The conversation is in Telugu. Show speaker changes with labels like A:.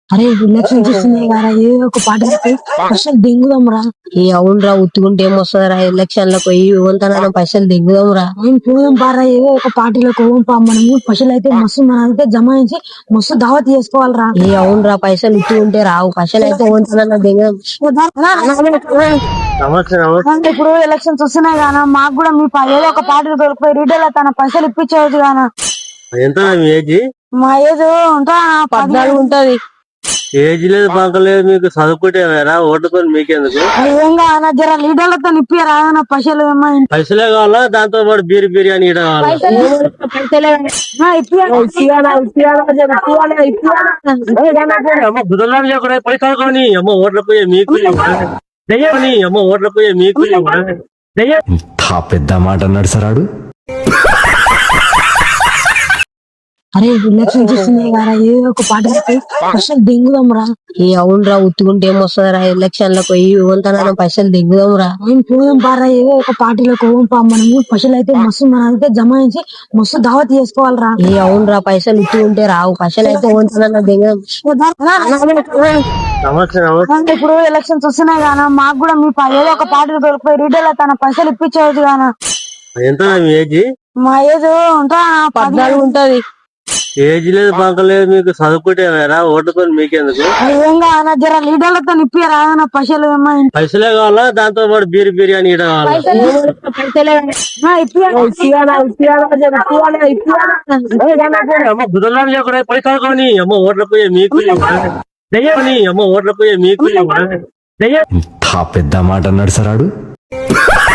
A: అరే ఎలక్షన్ చూస్తున్నాయి కదా ఏదో ఒక పార్టీ పైసలు దింగుదాం రా.
B: ఈ అవునరా ఉత్తుకుంటే ఏమొస్తుందిరా ఎలక్షన్లకు పోయి వంతన పైసలు దిగుదాంరా.
A: నేను పోదాం పారా ఏదో ఒక పార్టీలో పోదాం పా. మనము పైసలు అయితే మస్తు మనైతే జమాయించి మస్తు దావత్ చేసుకోవాలరా.
B: ఈ అవునరా పైసలు ఉత్తుకుంటే రావు, పైసలు అయితే వంతన దిగుదాం.
A: ఇప్పుడు ఎలక్షన్స్ వస్తున్నాయి గానా, మాకు కూడా మీ ఏదో ఒక పార్టీలో దొరికిపోయి రీటైల్ తన పైసలు ఇప్పించవచ్చు గానా.
C: ఎంత మీ ఏజ్?
A: మా ఏజ్ ఉంటా
B: 14 ఉంటది.
C: ఏజ్ లేదు పంకలేదు, మీకు చదువుకుంటే ఓటుకొని మీకెందుకు?
A: ఏం జర లీడర్లతో ఇప్పియరా పైసలు ఏమైనా
C: పైసలే కావాలా, దాంతో పాటు బిర్యానీ ఇవ్వడం అమ్మ బుధవారం చెప్పడే పైసలు కొని అమ్మ ఓట్లకు పోయే మీకు అమ్మ ఓట్లకు పోయే మీకు
D: ఇంత పెద్ద మాట అన్నాడు సరాడు.
A: అరే ఎలక్షన్ చూస్తున్నాయి కదా ఏదో ఒక పార్టీ పైసలు దింగుదాం రా.
B: ఈ అవునరా ఉత్తుకుంటే ఏమొస్తుందిరా ఎలక్షన్లకు పోయి వంతన పైసలు దిగుదాంరా.
A: నేను పోదాం పారా ఏదో ఒక పార్టీలో పోదాం పా. మనము పైసలు అయితే మస్తు మనైతే జమాయించి మస్తు దావత్ చేసుకోవాలరా.
B: ఈ అవునరా పైసలు ఉత్తుకుంటే రావు, పైసలు అయితే వంతన దిగుదాం.
A: ఇప్పుడు ఎలక్షన్స్ వస్తున్నాయి గానా, మాకు కూడా మీ ఏదో ఒక పార్టీలో దొరికిపోయి రీటైల్ తన పైసలు ఇప్పించవచ్చు గానా.
C: ఎంత మీ ఏజ్?
A: మా ఏజ్ ఉంటా
B: 14 ఉంటది.
C: ఏజ్ లేదు పంకలేదు, మీకు చదువుకుంటే ఓటుకొని మీకెందుకు?
A: ఏం జర లీడర్లతో ఇప్పియరా పైసలు ఏమైనా.
C: పైసలే కావాలా, దాంతో పాటు బిర్యానీ ఇవ్వడం అమ్మ బుధవారం చెప్పడే పైసలు కొని అమ్మ ఓట్లకు పోయే మీకు అమ్మ ఓట్లకు పోయే మీకు
D: ఇంత పెద్ద మాట అన్నాడు సరాడు.